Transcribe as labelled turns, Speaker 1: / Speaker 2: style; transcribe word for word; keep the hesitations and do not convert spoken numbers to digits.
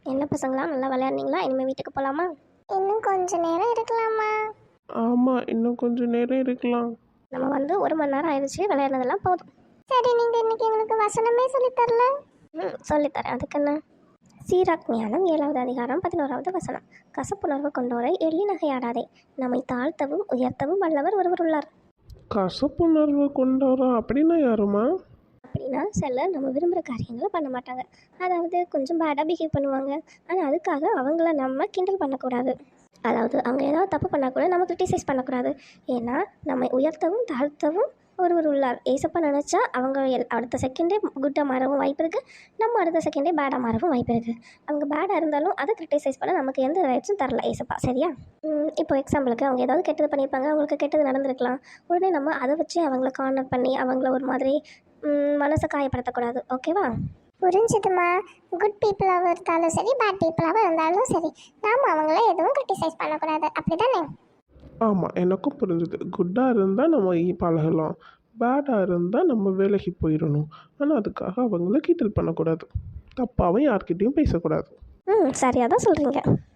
Speaker 1: என்ன பசங்களா, நல்லா விளையாடுனீங்களா? இனிமேல் வீட்டுக்கு போகலாமா?
Speaker 2: இன்னும் கொஞ்ச நேரம் இருக்கலாமா?
Speaker 3: ஆமாம், இன்னும் கொஞ்சம் நேரம் இருக்கலாம்.
Speaker 1: நம்ம வந்து ஒரு மணி நேரம் ஆயிடுச்சு, விளையாடுனதெல்லாம் போதும்.
Speaker 2: சரி, நீங்க இன்னைக்கு எங்களுக்கு வசனமே சொல்லித் தரல.
Speaker 1: ம் சொல்லித்தரேன், அதுக்கு என்ன? சீராக் ஞானம் ஏழாவது அதிகாரம் பதினோராவது வசனம். கசப்புணர்வு கொண்டோரை எள்ளி நகையாடாதே, நம்மை தாழ்த்தவும் உயர்த்தவும் வல்லவர் ஒருவர் உள்ளார்.
Speaker 3: கசப்புணர்வு கொண்டவரா? அப்படின்னா யாருமா?
Speaker 1: அப்படின்னா சிலர் நம்ம விரும்புகிற காரியங்களை பண்ண மாட்டாங்க, அதாவது கொஞ்சம் பேடாக பிஹேவ் பண்ணுவாங்க. ஆனால் அதுக்காக அவங்கள நம்ம கிண்டல் பண்ணக்கூடாது. அதாவது அவங்க ஏதாவது தப்பு பண்ணால் கூட நம்ம கிரிட்டிசைஸ் பண்ணக்கூடாது. ஏன்னா நம்மை உயர்த்தவும் தாழ்த்தவும் ஒருவர் உள்ளார். ஏசப்பா நினச்சா அவங்க எல் அடுத்த செகண்டே குட்டாக மாறவும் வாய்ப்பு இருக்குது, நம்ம அடுத்த செகண்டே பேடாக மாறவும் வாய்ப்பு இருக்குது. அவங்க பேடாக இருந்தாலும் அதை கிரிட்டிசைஸ் பண்ண நமக்கு எந்த ரைட்ஸும் தரல ஏசப்பா, சரியா? இப்போ எக்ஸாம்பிளுக்கு அவங்க ஏதாவது கெட்டது பண்ணியிருப்பாங்க, அவங்களுக்கு கெட்டது நடந்திருக்கலாம். உடனே நம்ம அதை வச்சு அவங்கள கார்னர் பண்ணி அவங்கள ஒரு மாதிரி மனசை காயப்படுத்தக்கூடாது, ஓகேவா?
Speaker 2: புரிஞ்சுதுமா. குட் பீப்புளாகவும் இருந்தாலும் சரி, பேட் பீப்புளாகவும் இருந்தாலும் சரி, நாம் அவங்கள எதுவும் கிரிட்டிசைஸ் பண்ணக்கூடாது, அப்படிதானே?
Speaker 3: ஆமாம், எனக்கும் புரிஞ்சுது. குட்டாக இருந்தால் நம்ம இ- பழகலாம், பேடாக இருந்தால் நம்ம வேலைக்கு போயிடணும். ஆனால் அதுக்காக அவங்கள கிண்டல் பண்ணக்கூடாது, தப்பாகவும் யார்கிட்டையும் பேசக்கூடாது.
Speaker 1: ம் சரியாக தான் சொல்கிறீங்க.